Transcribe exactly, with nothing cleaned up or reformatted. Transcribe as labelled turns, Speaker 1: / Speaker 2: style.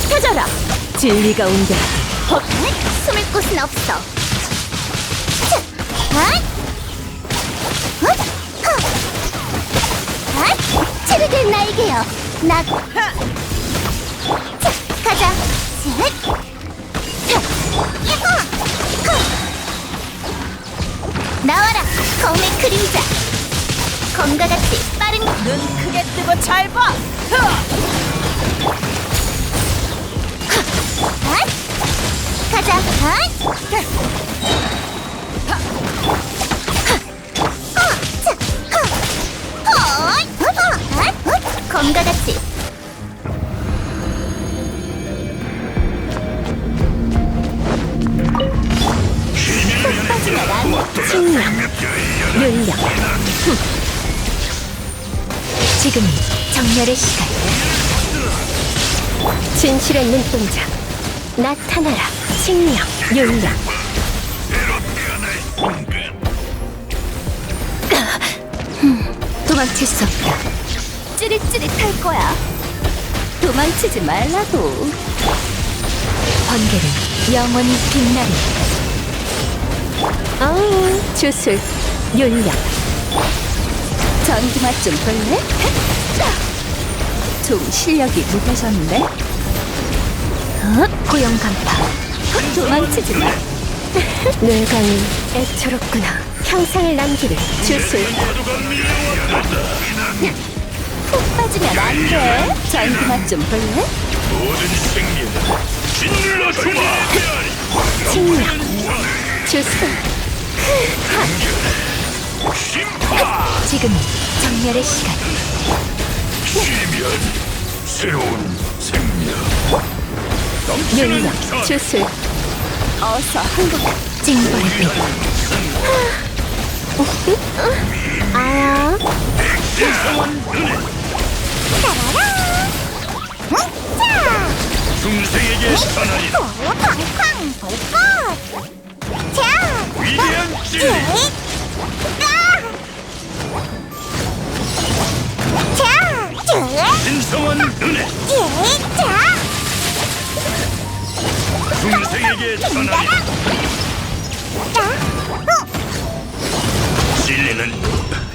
Speaker 1: 흩어져라. 진리가 온다.
Speaker 2: 헛! 숨을 곳은 없어. 자, 헛! 헛! 헛! 헛! 치르길 나에게요. 나. 자, 가자. 셋. 자, 야호! 헛! 나와라, 검의 그림자. 검과 같이 빠른
Speaker 1: 눈 크게 뜨고 잘 봐.
Speaker 2: 헛! 가자. 헛! 어, 자, 헛! 헛! 헛! 헛! 검과 같이 푹 빠지면 안 돼.
Speaker 1: 칭령, 윤력. 흠. 지금이 정렬의 시간. 진실의 눈동자 나타나라. 칭령, 윤력. 흠, 도망칠 수 없다. 찌릿찌릿할 거야. 도망치지 말라고. 번개는 영원히 빛나리. 어, 주술, 윤력. 전기 맛 좀 볼래? 좀 실력이 묻어졌네. 어? 고용 간파. 도망치지 마. 뇌강이 애처롭구나. 평생을 남기를 주술. 푹 빠지면 안 돼. 전기 맛 좀 볼래?
Speaker 3: 모든 생명을 짓눌러 주마.
Speaker 1: 칭령, 주술.
Speaker 3: 심파.
Speaker 1: 지금이 정렬의 시간.
Speaker 3: 쉬면 새로운 생명. 넘치는
Speaker 1: 윤력,
Speaker 3: 전.
Speaker 1: 주술. 어서 한국 징벌의 빛. 아야.
Speaker 2: 따라라. 응? 자,
Speaker 3: 중생에게 전하리라.
Speaker 2: 팡팡 볼것. 자,
Speaker 3: 위대한 진리.
Speaker 2: 아! 자, 자,
Speaker 3: 신성한 은혜.
Speaker 2: 자,
Speaker 3: 중생에게 전하리라.
Speaker 2: 자, 어,
Speaker 3: 진리는